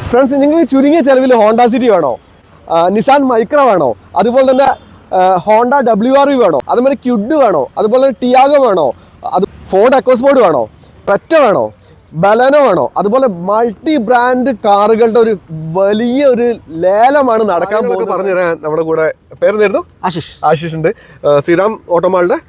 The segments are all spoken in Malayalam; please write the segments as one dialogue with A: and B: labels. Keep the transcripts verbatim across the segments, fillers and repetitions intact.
A: ഫ്രണ്ട്സ്, നിങ്ങൾക്ക് ചുരുങ്ങിയ ചെലവിൽ ഹോണ്ട സിറ്റി വേണോ, നിസാൻ മൈക്ര വേണോ, അതുപോലെ തന്നെ ഹോണ്ട ഡബ്ല്യു ആർ വി വേണോ, അതുപോലെ ക്യുഡ് വേണോ, അതുപോലെ തന്നെ ടിയാഗോ വേണോ, അത് ഫോർഡ് എക്കോസ്പോർട്ട് വേണോ, ക്രെറ്റ വേണോ, ബലനോ വേണോ, അതുപോലെ മൾട്ടി ബ്രാൻഡ് കാറുകളുടെ ഒരു വലിയ ഒരു ലേലമാണ് നടക്കാൻ പോകുന്നത്. പറഞ്ഞു തരാൻ നമ്മുടെ കൂടെ പേരെന്തായിരുന്നു?
B: ആശിഷ്.
A: ആശിഷ് ഉണ്ട്, ശ്രീറാം ഓട്ടോമാളുടെ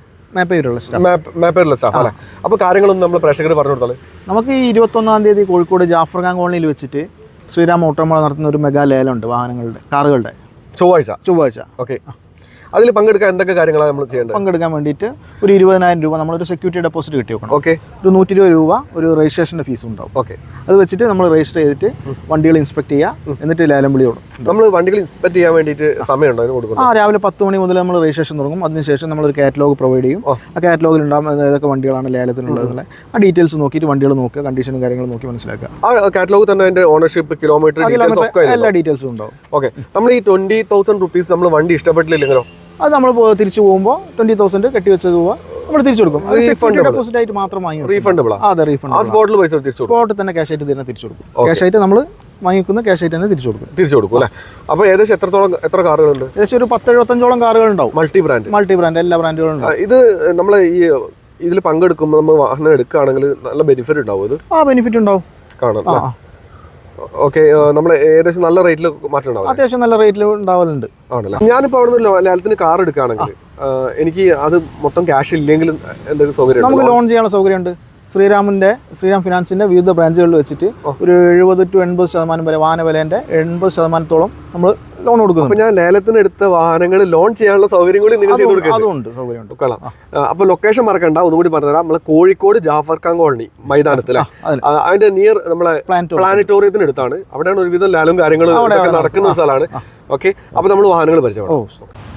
A: മാപ്പേറുള്ള സ്റ്റാഫ് അല്ലേ. അപ്പോൾ കാര്യങ്ങളൊന്നും നമ്മൾ പ്രേക്ഷകർ പറഞ്ഞു കൊടുത്താൽ,
B: നമുക്ക് ഈ ഇരുപത്തൊന്നാം തീയതി കോഴിക്കോട് ജാഫർ ഖാൻ കോളനിയിൽ വെച്ചിട്ട് ശ്രീറാം ഓട്ടോമാൾ നടത്തുന്ന ഒരു മെഗാ ലേലമുണ്ട് വാഹനങ്ങളുടെ, കാറുകളുടെ.
A: ചൊവ്വാഴ്ച
B: ചൊവ്വാഴ്ച
A: ഓക്കെ. അതിൽ പങ്കെടുക്കാൻ എന്തൊക്കെ കാര്യങ്ങളാണ് നമ്മൾ ചെയ്യേണ്ടത്?
B: പങ്കെടുക്കാൻ വേണ്ടിയിട്ട് ഒരു ഇരുപതിനായിരം രൂപ നമ്മളൊരു സെക്യൂരിറ്റി ഡെപ്പോസിറ്റ് കിട്ടി വെക്കണം.
A: ഓക്കെ.
B: ഒരു നൂറ്റി ഇരുപത് രൂപ ഒരു രജിസ്ട്രേഷൻ്റെ ഫീസ് ഉണ്ടാവും.
A: ഓക്കെ.
B: അത് വെച്ചിട്ട് നമ്മൾ രജിസ്റ്റർ ചെയ്തിട്ട് വണ്ടികൾ ഇൻസ്പെക്ട് ചെയ്യുക, എന്നിട്ട് ലേലം വിളി കൊടുക്കും.
A: നമ്മൾ വണ്ടികൾ ഇൻസ്പെക്ട് ചെയ്യാൻ വേണ്ടിയിട്ട് സമയമുണ്ടോ അതിന് കൊടുക്കും?
B: ആ, രാവിലെ പത്ത് മണി മുതൽ നമ്മൾ രജിസ്ട്രേഷൻ തുടങ്ങും. അതിനുശേഷം നമ്മളൊരു കാറ്റലോഗ് പ്രൊവൈഡ് ചെയ്യും. ആ കാറ്റലോഗിൽ ഉണ്ടാകും ഏതൊക്കെ വണ്ടികളാണ് ലേലത്തിനുള്ളത്. ആ ഡീറ്റെയിൽസ് നോക്കിയിട്ട് വണ്ടികൾ നോക്കുക, കണ്ടീഷനും കാര്യങ്ങളും നോക്കി മനസ്സിലാക്കുക.
A: ആ കാറ്റലോഗ് തന്നെ അതിന്റെ ഓണർഷിപ്പ്, കിലോമീറ്റർ,
B: എല്ലാ ഡീറ്റെയിൽസും ഉണ്ടാവും.
A: ഓക്കെ. നമ്മൾ ഈ ട്വന്റി തൗസൻഡ് റുപ്പീസ് നമ്മൾ വണ്ടി ഇഷ്ടപ്പെട്ടില്ലെങ്കിലോ
B: അത് നമ്മൾ തിരിച്ചു പോകുമ്പോൾ ട്വന്റി തൗസൻഡ് കെട്ടി വെച്ച രൂപ നമ്മൾ തിരിച്ചു കൊടുക്കും. ഡെപ്പോസിറ്റ് ആയിട്ട് മാത്രം വാങ്ങി.
A: റീഫണ്ടബിൾ?
B: അതെ, റീഫണ്ട്.
A: സ്പോട്ടിൽ പൈസ
B: സ്പോട്ടിൽ തന്നെ ക്യാഷ് ആയിട്ട് തന്നെ തിരിച്ചു കൊടുക്കും. ക്യാഷ് ആയിട്ട് നമ്മൾ വാങ്ങിക്കുന്ന ക്യാഷ് ആയിട്ട് തന്നെ തിരിച്ചു കൊടുക്കും.
A: തിരിച്ചു കൊടുക്കും അല്ലേ? അപ്പോൾ ഏകദേശം എത്രത്തോളം എത്ര കാറുകളുണ്ട്?
B: ഏകദേശം ഒരു പത്ത് എഴുപത്തഞ്ചോളം കാറുകൾ ഉണ്ടാവും.
A: മൾട്ടി ബ്രാൻഡ്
B: മൾട്ടി ബ്രാൻഡ് എല്ലാ ബ്രാൻഡുകളും ഉണ്ടാവും.
A: ഇത് നമ്മൾ ഈ ഇതിൽ പങ്കെടുക്കുമ്പോൾ നമ്മൾ വാഹനം എടുക്കുകയാണെങ്കിൽ നല്ല ബെനിഫിറ്റ് ഉണ്ടാവും. ഇത്
B: ആ ബെനിഫിറ്റ് ഉണ്ടാവും
A: കാണാം. ഓക്കെ. നമ്മൾ ഏകദേശം നല്ല റേറ്റിൽ മാറ്റം ഉണ്ടാവും.
B: അത്യാവശ്യം നല്ല റേറ്റിൽ ഉണ്ടാവലുണ്ട്.
A: ആണല്ലേ? ഞാനിപ്പോൾ അവിടെ നിന്ന് ലേലത്തിന് കാർ എടുക്കുകയാണെങ്കിൽ എനിക്ക് അത് മൊത്തം ക്യാഷ് ഇല്ലെങ്കിലും എന്തെങ്കിലും സൗകര്യം?
B: നമുക്ക് ലോൺ ചെയ്യാനുള്ള സൗകര്യമുണ്ട്. ശ്രീറാമിന്റെ ശ്രീറാം ഫിനാൻസിന്റെ വിവിധ ബ്രാഞ്ചുകളിൽ വെച്ചിട്ട് ഒരു എഴുപത് ടു എൺപത് ശതമാനം വരെ വാഹന വിലേന്റെ എൺപത് ശതമാനത്തോളം നമ്മൾ ലോൺ കൊടുക്കുന്നു.
A: അപ്പോൾ ഞാൻ ലേലത്തിന് എടുത്ത വാഹനങ്ങൾ ലോൺ ചെയ്യാനുള്ള സൗകര്യം കൂടി നിങ്ങൾ ചെയ്ത് കൊടുക്കും?
B: അതുണ്ട്, സൗകര്യമുണ്ട്.
A: കൊള്ളാം. അപ്പോൾ ലൊക്കേഷൻ മറക്കണ്ട, ഒന്നുകൂടി പറഞ്ഞുതരാം. നമ്മളെ കോഴിക്കോട് ജാഫർ ഖാൻ കോളനി മൈതാനത്തിലെ അതിന്റെ നിയർ നമ്മളെ പ്ലാനറ്റോറിയത്തിന് അടുത്താണ്. അവിടെയാണ് ഒരുവിധം ലാലും കാര്യങ്ങളും നടക്കുന്ന സ്ഥലമാണ്. ഓക്കെ. അപ്പോൾ നമ്മൾ വാഹനങ്ങൾ പരിചയപ്പെടാം.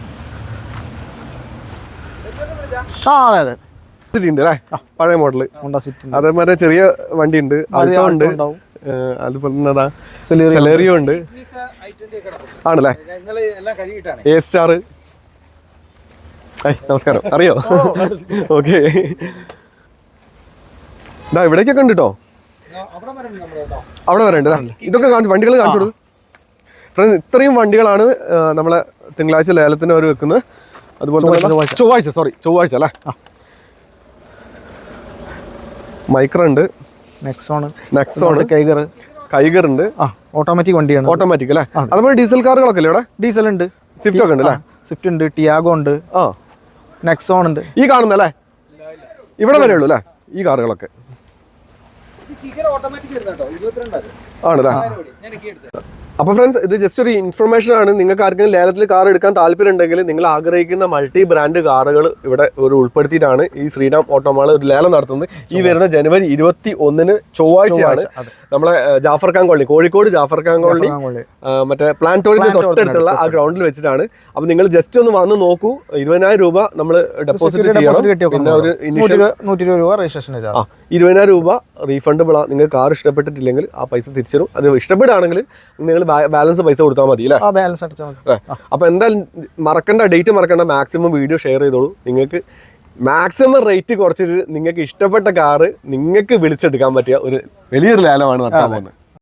B: ആ അതെ അതെ
A: സിറ്റി ഉണ്ട് അല്ലേ? പഴയ മോഡല്
B: ഹോണ്ട സിറ്റി.
A: അതേമാതിരി ചെറിയ വണ്ടി ഉണ്ട്, ആൾട്ടോ ഉണ്ട്, അതുപോലെ തന്നെ സെലേറിയോ ഉണ്ട്. ആണല്ലേ? A star. നമസ്കാരം. അറിയോ? ഓക്കെ. ഇതാ ഇവിടേക്കൊക്കെ ഉണ്ട് കേട്ടോ. അവിടെ വരണ്ട്. ഇതൊക്കെ കാണിച്ചു, വണ്ടികൾ കാണിച്ചു കൊടുക്കും. ഫ്രണ്ട്സ്, ഇത്രയും വണ്ടികളാണ് നമ്മളെ തിങ്കളാഴ്ച ലേലത്തിന് അവർ വെക്കുന്നത്. അതുപോലെ ചൊവ്വാഴ്ച സോറി ചൊവ്വാഴ്ച അല്ലേ?
B: മൈക്ര ഉണ്ട്, നെക്സോൺ
A: നെക്സോൺ
B: കൈഗർ
A: കൈഗർ ഉണ്ട്.
B: ഓട്ടോമാറ്റിക് വണ്ടിയാണ്.
A: ഓട്ടോമാറ്റിക് അല്ലേ? അതുപോലെ ഡീസൽ കാറുകളൊക്കെ അല്ലേ ഇവിടെ?
B: ഡീസൽ ഉണ്ട്,
A: സ്വിഫ്റ്റ് ഒക്കെ ഉണ്ട് അല്ലേ?
B: സ്വിഫ്റ്റ് ഉണ്ട്, ടിയാഗോ ഉണ്ട്, ആ നെക്സോൺ ഉണ്ട്.
A: ഈ കാണുന്നല്ലേ? ഇവിടെ വരെ ഉള്ളൂ അല്ലേ ഈ കാറുകളൊക്കെ? ആണല്ലേ? അപ്പോൾ ഫ്രണ്ട്സ്, ഇത് ജസ്റ്റ് ഒരു ഇൻഫർമേഷൻ ആണ്. നിങ്ങൾക്ക് ആർക്കെങ്കിലും ലേലത്തിൽ കാർ എടുക്കാൻ താല്പര്യം ഉണ്ടെങ്കിൽ നിങ്ങൾ ആഗ്രഹിക്കുന്ന മൾട്ടി ബ്രാൻഡ് കാറുകൾ ഇവിടെ ഒരു ഉൾപ്പെടുത്തിയിട്ടാണ് ഈ ശ്രീറാം ഓട്ടോമാൾ ഒരു ലേലം നടത്തുന്നത്. ഈ വരുന്ന ജനുവരി ഇരുപത്തി ഒന്നിന് ചൊവ്വാഴ്ചയാണ് നമ്മളെ ജാഫർ ഖാൻ കോളനി, കോഴിക്കോട് ജാഫർ ഖാൻ കോളനി മറ്റേ പ്ലാനറ്റോറിയത്തിന് തൊട്ടടുത്തുള്ള ആ ഗ്രൗണ്ടിൽ വെച്ചിട്ടാണ്. അപ്പോൾ നിങ്ങൾ ജസ്റ്റ് ഒന്ന് വന്ന് നോക്കൂ. ഇരുപതിനായിരം രൂപ നമ്മൾ ഡെപ്പോസിറ്റ് ചെയ്യണം. പിന്നെ ഒരു
B: നൂറ്റി ഇരുപത് രൂപ രജിസ്ട്രേഷൻ.
A: ആ ഇരുപതിനായിരം രൂപ റീഫണ്ടബിൾ ആണ്. നിങ്ങൾ കാർ ഇഷ്ടപ്പെട്ടിട്ടില്ലെങ്കിൽ ആ പൈസ തിരിച്ചു തരും. അത് ഇഷ്ടപ്പെടുകയാണെങ്കിൽ നിങ്ങൾ ബാലൻസ് പൈസ കൊടുത്താൽ മതി അല്ലേ? അപ്പോൾ എന്തായാലും മറക്കണ്ട, ഡേറ്റ് മറക്കണ്ട. മാക്സിമം വീഡിയോ ഷെയർ ചെയ്തോളൂ. നിങ്ങൾക്ക് മാക്സിമം റേറ്റ് കുറച്ചിട്ട് നിങ്ങൾക്ക് ഇഷ്ടപ്പെട്ട കാറ് നിങ്ങൾക്ക് വിളിച്ചെടുക്കാൻ പറ്റിയ ഒരു വലിയൊരു ലേലമാണ് നടത്താൻ പോകുന്നത്.